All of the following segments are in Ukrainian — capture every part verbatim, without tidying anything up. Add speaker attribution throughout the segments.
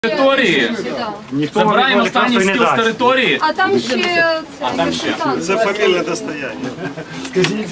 Speaker 1: Території. Забираємо останній скіл з території.
Speaker 2: А там ще
Speaker 1: А там ще.
Speaker 3: Це фамільне достояння.
Speaker 4: Скажіть.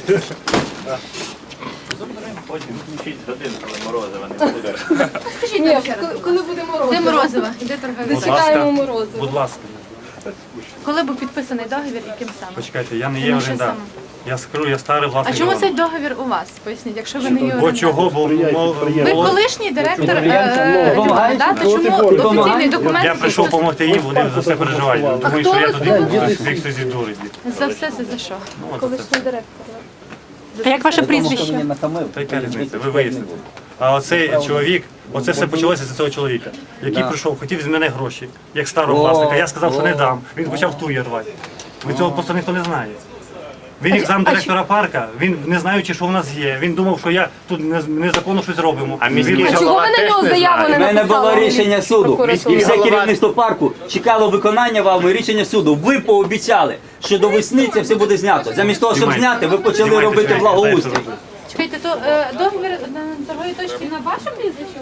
Speaker 5: Потім включіть годину, коли Морозова не буде.
Speaker 2: Скажіть, ні, коли- коли буде морозиво?
Speaker 6: Де Морозова? Де торговий?
Speaker 2: Чекаємо морозиво.
Speaker 4: Будь ласка.
Speaker 6: Коли був підписаний договір і ким саме?
Speaker 4: Почекайте, я не є
Speaker 6: Тому що
Speaker 4: орендар.
Speaker 6: саме?
Speaker 4: Я скру, я старий
Speaker 6: А
Speaker 4: власник.
Speaker 6: чому
Speaker 4: дому.
Speaker 6: цей договір у вас? Поясніть, якщо ви не є
Speaker 4: Бо
Speaker 6: орендар.
Speaker 4: чого? Бо мол-
Speaker 6: Ви
Speaker 4: мол-
Speaker 6: колишній директор е, Львова, да? То чому офіційний документ?
Speaker 4: я прийшов допомогти їм, вони за все переживають. Думаю, що я туди їх всі дурить.
Speaker 6: За все це за що?
Speaker 4: Ну, от це.
Speaker 2: Колишній директор.
Speaker 6: А як ваше прізвище?
Speaker 4: Та яка різниця, ви виясните. А оцей чоловік, оце все почалося з цього чоловіка, який прийшов, хотів з мене гроші, як старого власника. Я сказав, що не дам. Він почав тує рвати. Ви цього просто ніхто не знає. Він як замдиректора парка, він не знаючи, що в нас є. Він думав, що я тут не- незаконно щось робимо.
Speaker 5: А міський
Speaker 4: Він
Speaker 2: А
Speaker 4: почав-
Speaker 2: чого ви на нього заяву не
Speaker 7: У мене
Speaker 2: написали?
Speaker 7: було рішення суду,
Speaker 2: Прокуратура.
Speaker 7: і все
Speaker 5: голова-
Speaker 7: керівництво парку чекало виконання вами рішення суду. Ви пообіцяли, що до весни це все буде знято. Замість того, щоб
Speaker 4: Знімайте.
Speaker 7: зняти, ви почали
Speaker 4: Знімайте,
Speaker 7: робити
Speaker 4: знімайте,
Speaker 7: благоустрій.
Speaker 4: знімайте, знімайте.
Speaker 6: Чекайте, то е, договір на торговій точці на вашому прізвищі?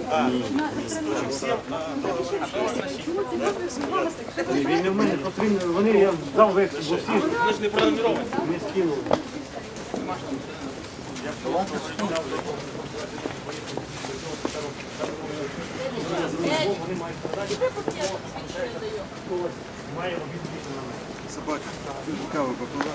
Speaker 4: Він не в мене потрібно, вони я дав вексель, бо всі ж не пронумеровані. Не скинули.
Speaker 3: Собака. Каву попила.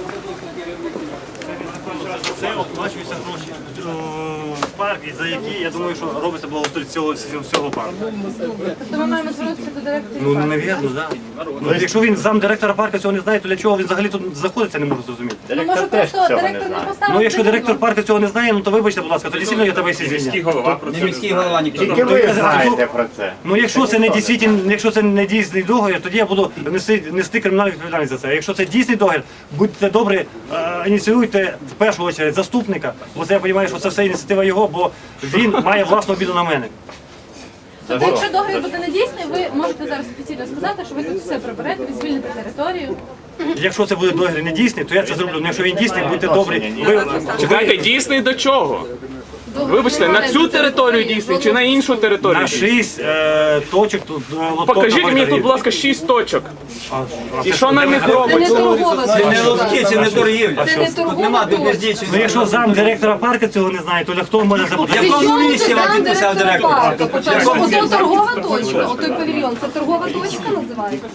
Speaker 4: Це оплачуються гроші в парк, і за які, я думаю, що робиться благоустрій цього всього парку.
Speaker 6: То ми маємо звернутися до директора.
Speaker 4: Ну, навірно, так. Ну, якщо він замдиректора парку цього не знає, то для чого він взагалі тут знаходиться, не можу зрозуміти.
Speaker 6: Ну, може, просто директор не поставив.
Speaker 4: Ну, якщо директор парку цього не знає, ну то вибачте, будь ласка, тоді сильно я тебе всі
Speaker 5: Міський
Speaker 4: звільняю.
Speaker 5: голова про
Speaker 7: Не
Speaker 5: це.
Speaker 7: міський голова ніхто.
Speaker 5: Тільки ви знаєте про це.
Speaker 4: Ну, якщо це не дійсний, якщо це не дійсний договір, тоді я буду нести, нести кримінальну відповідальність за це. А якщо це дійсний договір, будьте добрі, е, ініціюйте в першу чергу заступника, бо це я розумію, що це все ініціатива його, бо він має власну обіду на мене.
Speaker 6: Тобто, якщо договір буде недійсний, ви можете зараз офіційно сказати, що ви тут все приберете, ви звільните територію.
Speaker 4: Якщо це буде договір не дійсний, то я це зроблю. Ну, якщо він дійсний, будьте добрі. Ви,
Speaker 1: Чекайте, дійсний до чого? Вибачте, на цю територію дійсний чи на іншу територію?
Speaker 4: на шість е, точок тут е, лоток
Speaker 1: Покажіть
Speaker 4: на
Speaker 1: мені тут,
Speaker 4: Болгарії.
Speaker 1: будь ласка, шість точок.
Speaker 4: А, а
Speaker 1: І
Speaker 4: це
Speaker 1: що на них
Speaker 2: Це не
Speaker 1: робиться?
Speaker 2: торгова
Speaker 7: Це не
Speaker 2: точка.
Speaker 7: ловки, це не торгівля.
Speaker 2: Це не
Speaker 7: Тут
Speaker 2: торгова
Speaker 7: нема
Speaker 2: точка.
Speaker 7: бездіючої.
Speaker 4: Ну, якщо зам директора парку цього не знає, то для хто може запитати?
Speaker 7: В якому
Speaker 2: Чому
Speaker 7: місці
Speaker 2: це
Speaker 7: вам
Speaker 2: там
Speaker 7: підписав
Speaker 2: директор
Speaker 7: директор?
Speaker 2: парку? По-перше, ото торгова точка, отой павільйон, це торгова точка називається?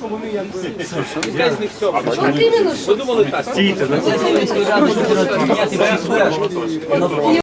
Speaker 2: От іменно, що?
Speaker 4: Стійте,
Speaker 7: Це міської ради, що міняти